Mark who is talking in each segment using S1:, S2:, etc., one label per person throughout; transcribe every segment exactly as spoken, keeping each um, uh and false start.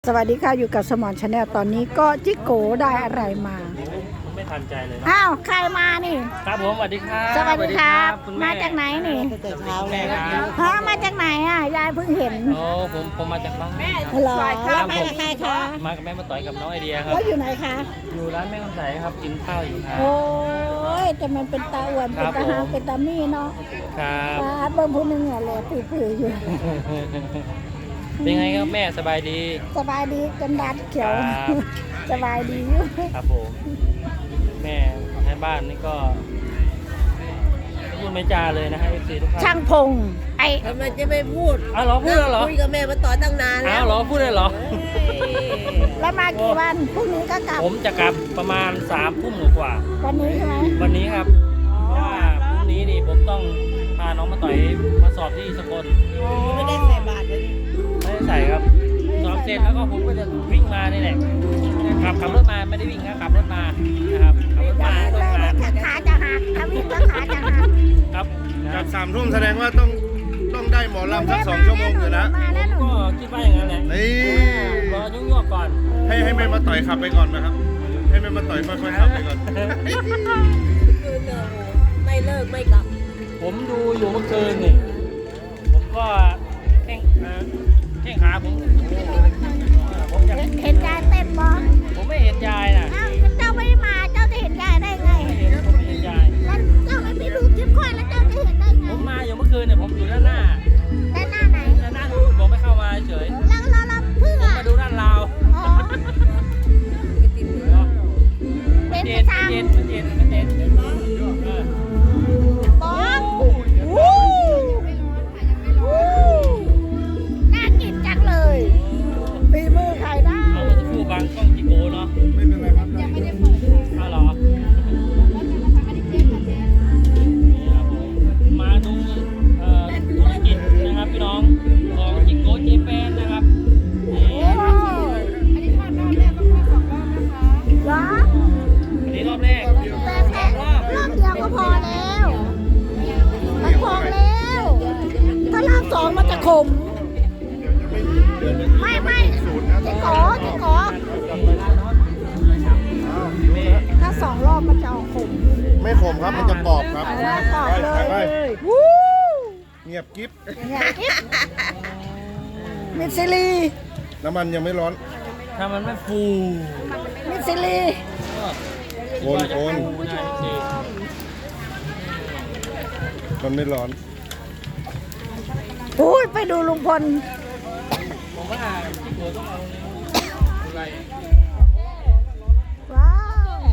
S1: สวัสดีค่ะอยู่กับสมอนชาแนลตอนนี้ก็จิโกได้อะไรมา
S2: ไม่ทันใจเลย
S1: อ้าวใครมานี่
S2: ครับผมสวัสดีครับ
S1: สวัสดีครับมาจากไหนนี่
S2: แต่เช้าแม่ครับ
S1: ฮะมาจากไหนอ่ะยายเพิ่งเห็น
S2: โอ้ผมผมมาจากบ้านแม่
S1: หรอแล้วมากับใครคะ
S2: มากับแม่มาต่อยกับน้องไอเดียครับ
S1: แล้วอยู่ไหนคะ
S2: อยู่ร้านแม่คำใสครับกินข้าวอยู่ครับ
S1: โอ้ยแต่มันเป็นตาอ้วนเป็นตาหางเป็นตามี่เนาะ
S2: ครับ
S1: ตาเบิ่งผู้นึงเนี่ยแหละปื้อๆอยู่
S2: เป็นไงครับแม่สบายดี
S1: สบายดีกันดัดเขียวสบายดีอยู่
S2: ครับผมแม่ให้บ้านนี่ก็พูดไม่จาเลยนะฮะเอฟซีทุกท่าน
S1: ช่างพงไอ
S3: ทำไมจะไม่พูด
S2: อ้าวเหรอพูดแล้วเหรอ
S3: คุยกับแม่มาต่อตั้งนานแล้ว
S2: อ้าวเหรอพูดเลยเหรอ
S1: แล้วมากี่วันพรุ่งนี้ก็กลับ
S2: ผมจะกลับประมาณสามทุ่มกว่า
S1: วันนี้ใช่ไหม
S2: วันนี้ครับเพราะว่าพรุ่งนี้นี่ผมต้องพาน้องมาต่อยมาสอบที่สกล
S3: ไม่ได้ใส่บาตรเลย
S2: ไม่ได้ใส่ครับสอบเสร็จแล้วก็ผมก็จะวิ่งมานี่แหละขับขับรถมาไม่ได้วิ่งนะขับรถมานะครับขับรถมาต้องมา
S1: ขาจะหักถ้าวิ่งแล้วขาจะหัก
S2: ครับ
S4: จากสามทุ่มแสดงว่าต้องต้องได้หมอลำสักสองชั่วโมงอยู่นะ
S2: ผมก็คิดว่าอย่างนั้นแหละ
S4: นี่
S2: รอยุ่งๆก่อน
S4: ให้ให้แม่มาต่อยขับไปก่อนนะครับให้แม่มาต่อยค่อยๆขับไปก่อน
S3: ไม่เลิกไม่กลับ
S2: ผมดูอยู่เมื่อคืนนี่ผมก็แข้งแข้งขาผมผมอยาก
S1: เห็นยายเต้นบ่
S2: ผมไม่เห็นยายนะ
S1: อ้าวเจ้าไม่มาเจ้าจะเห็นยายได้ไง
S2: ไม่เห็นผมไม่เห็นยาย
S1: แล้วเจ้าไม่ไปดูคลิปค่อยแล้วเจ้าจะเห็นได้ไง
S2: ผมมาอยู่เมื่อคืนเนี่ยผมอยู่ด้านหน้า
S1: ด้านหน้าไหน
S2: ด้านหน้านู่นผมไม่เข้ามาเฉย
S1: แล้วเราเราเพื่อ
S2: มาดูด้านลาว
S1: อ๋อ
S2: เป็นเย็นเย็นเป็นเย็นเป็นเย็น
S1: บอสวู้วู้น่ากินจังเลยฝีมือใครได้
S2: เอามาสักครู่บางกล้องจิโก้เนาะ
S4: ไม่เป็นไรครับ
S1: ยังไม่ได้เปิดค่ะ
S2: เอาเหรอมาดูธุรกิจนะครับพี่น้องของจิโก้เจแปนนะครับ
S1: อันนี้ทอดรอบแรกต้องทอดสองรอบนะคะเหรอ
S2: อันนี้รอบแรก
S1: แต่แค่รอบเดียวก็พอแล้วมันพอแล้วถ้ารอบสองมันจะขมไม่ไม่เจ๊กอเจ๊กอถ้าสองรอบมันจะออกขม
S4: ไม่ขมครับมันจะกรอบครับ
S1: กรอบเลยวู้
S4: เงียบกิ๊บ
S1: เงียบกิ๊บมิสซิลี
S4: น้ำมันยังไม่ร้อน
S2: ถ้ามันไม่ฟู
S1: มิสซิลี
S4: โคนโคนมันไม่ร้อน
S1: อุ้ยไปดูลุงพล
S2: ผมว่าที่หัวต้องเอาอะไร
S1: ว้าว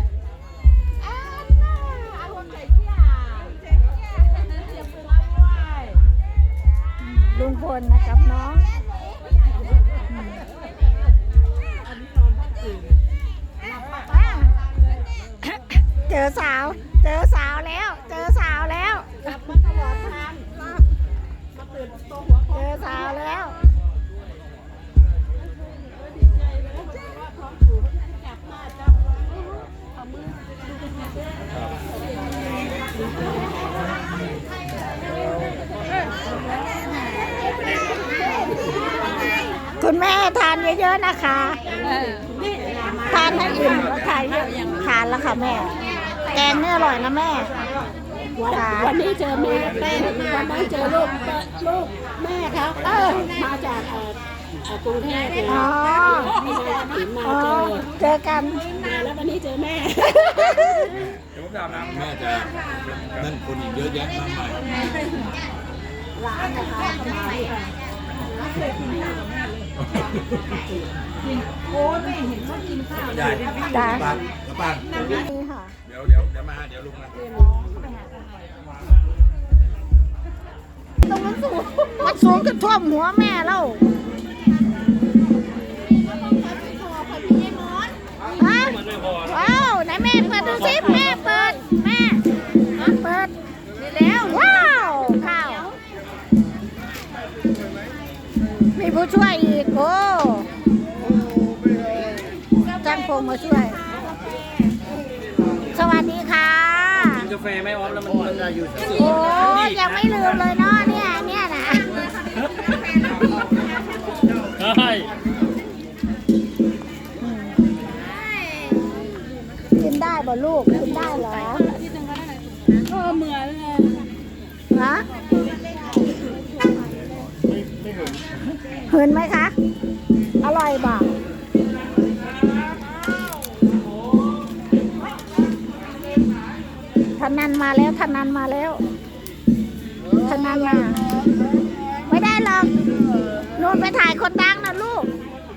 S1: ลุงพลนะครับน้องเจอสาวเจอสาวแล้วเจอสาวแล้วเจอสาวแล้วคุณแม่ทานเยอะๆนะคะทานให้อิ่มทานทานแล้วค่ะแม่แกงนี่อร่อยนะแม่
S3: วันนี้เจอแม่แป้งวันนั้นเจอลูกลูกแม่เขาเออมาจากกรุงเทพเลย
S1: อ๋อ
S3: มีนายถิ่นมาเจอ
S1: เจอกัน
S3: แล้ววันนี้เจอแม่
S4: เดี๋ยวผมถามนะ
S5: แม่จะนั่นคนอีกเยอะแยะมากมาย
S1: ร้านนะคะโอ้ไม่เห็นว่ากินข้าว
S5: ใหญ่
S1: จ้า
S5: ป้านป้าน
S1: นี่ค่ะ
S5: เดี๋ยวเดี๋ยวเดี๋ยวมาเดี๋ยวลุงมา
S1: ตรงมันสูงมันสูงจนท่วมหัวแม่แล้วฮะว้าวไหนแม่เปิดดูสิแม่เปิดแม่เปิดนี่แล้วว้าวข้าวมีผู้ช่วยอีกโอ้จ้างพงมาช่วยสวัสดีค่ะ
S2: กินกาแฟไม่ออฟแล้วมันอยู่
S1: โอ้ยังไม่ลืมเลยเนาะเนี่ยเนี่ยนะ
S2: ใช่
S1: บ่ลูกกินได้เหรอ
S3: ก็เหมือนเลย
S1: ฮะเห็นไหมคะ อร่อยบ่ทนันมาแล้วทนันมาแล้วทนันมา ไม่ได้หรอกนู่นไปถ่ายคนดังนะลูก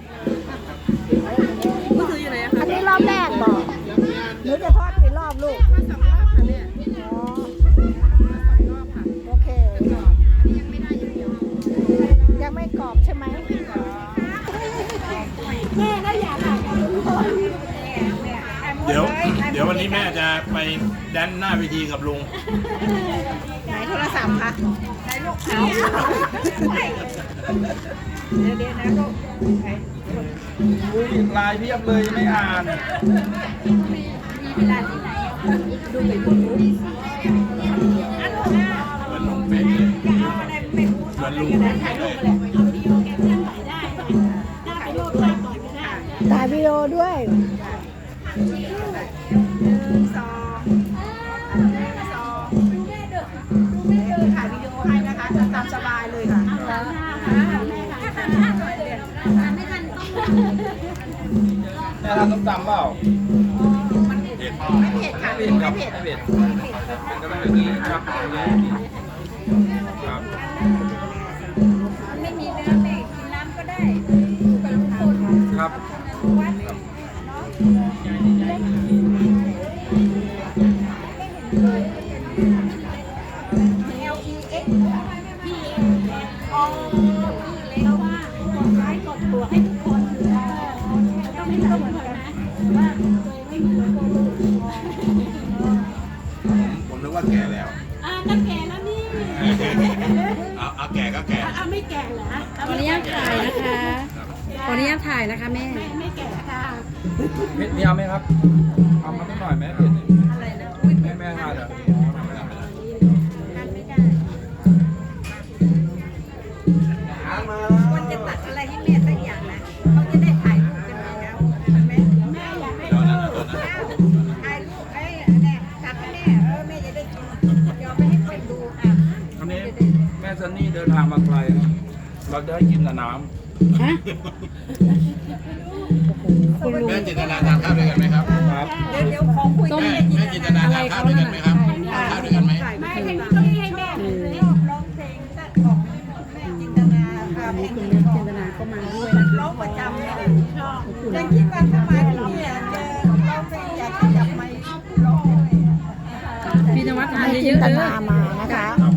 S1: อันนี้รอบแรกบอกหนูจะทอดกี่รอบลูกอ๋อโอเคยังไม่กรอบใช่ไหม
S3: แม่ก็อยากถ่ายกับลุงพล
S5: เดี๋ยว เดี๋ยววันนี้แม่จะไปแดนหน้าเวทีกับลุง
S1: ไหนโทรศัพท์คะไหนลูกเอาเดี๋ยวเดี๋ยวนะลูก
S5: ลายเพียบเลยไม่อ่าน
S1: มีเวลาที่ไหนดูไปพูดรู้
S5: เหมือนลุงเป๊ะเลยเหมือนลุงเป๊ะเลย
S3: เอาวิดีโอแกเคลื่อนไหวได้ได้ไปโลดภาพก่อนก็ได้
S1: ถ่ายวิดีโอด้วย
S6: สองสองถ่ายวิดีโอให้นะคะตามสบายเลยค่ะ
S5: แม่ทำต้มตำเปล่า
S6: ไม่เผ็ดค่ะ
S5: ไม่เผ็ดครับไม่เผ็ดเป็นก็ต้องอย่างนี้ครับครับ
S6: ไม่มีเนื้อแม่กินน้ำก็ได้กับลุงพล
S5: ครับ
S6: วัด L E X
S3: อ๋อเพราะว่ากดไลค์กดบวกให้ทุกคนอยู่แล้วต้องไม่ต้องเหมือนกันนะว่าตัวเองไม่เหมือนคนอื่น
S5: ผมนึกว่าแก่แล้ว
S3: อ่าก็แก่แล้วนี่
S5: เอาเอาแก่ก็แก่
S3: เอาไม่แก่เหรอ
S7: ขออนุญาตถ่ายนะคะ ขออนุญาตถ่ายนะคะแม่
S3: ไม่ไม่แก่ค่ะ
S5: เผ็ดมีเอาไหมครับ เอามาสักหน่อยไหมเผ็ดอะไรนะแม่แม่ทานเหรอไม่ได้ไม่ได้
S6: ควรจะตัดอะไรให้แม่สักอย่างนะเขาจะได้ถ่ายรูปกันแล้วใช่ไหม
S3: แม่อยากให้
S5: เดี๋ยวนั้นเดี๋ยวนั้น
S6: ถ่ายรูปไอ้เนี่ยตัดให้แม่เออแม่จะได้กินเดี๋ยวไปให้คนดูอ่ะ
S5: อันนี้แม่ซันนี่เดินทางมาไกลนะเราจะให้กินแต่น้
S7: ฮะ
S5: ำแม่จินตนาทานข้าวด้วยกันไหมครับ ครับ
S6: เดี๋ยวเดี๋ยวของคุย
S7: ต้ม
S6: กัน
S5: แม่จินตนาทานข้าวด้วยกันไหมครับทานข้าวด้วยกันไหม
S3: ไม่ให้ต้องให้แม่เลย
S6: ชอบร้องเพลงของแม่จินตนาค่ะเพลง
S7: คุณ
S6: นี้
S7: แม่
S6: ขอ
S7: จิ
S6: ง
S7: นตนาก็มาด้วย
S6: ร้องประจำเลยยังคิดว่าถ้ามาที่นี่อ่ะเจอร้องเพลงอยากจะจับไมค์ร้องเลยอ่ะ
S7: พี่นวัดทาน
S1: ให้
S7: เย
S1: จิน
S7: อะๆ
S1: ต
S7: เด้
S1: นา
S7: อ
S1: มานะคะ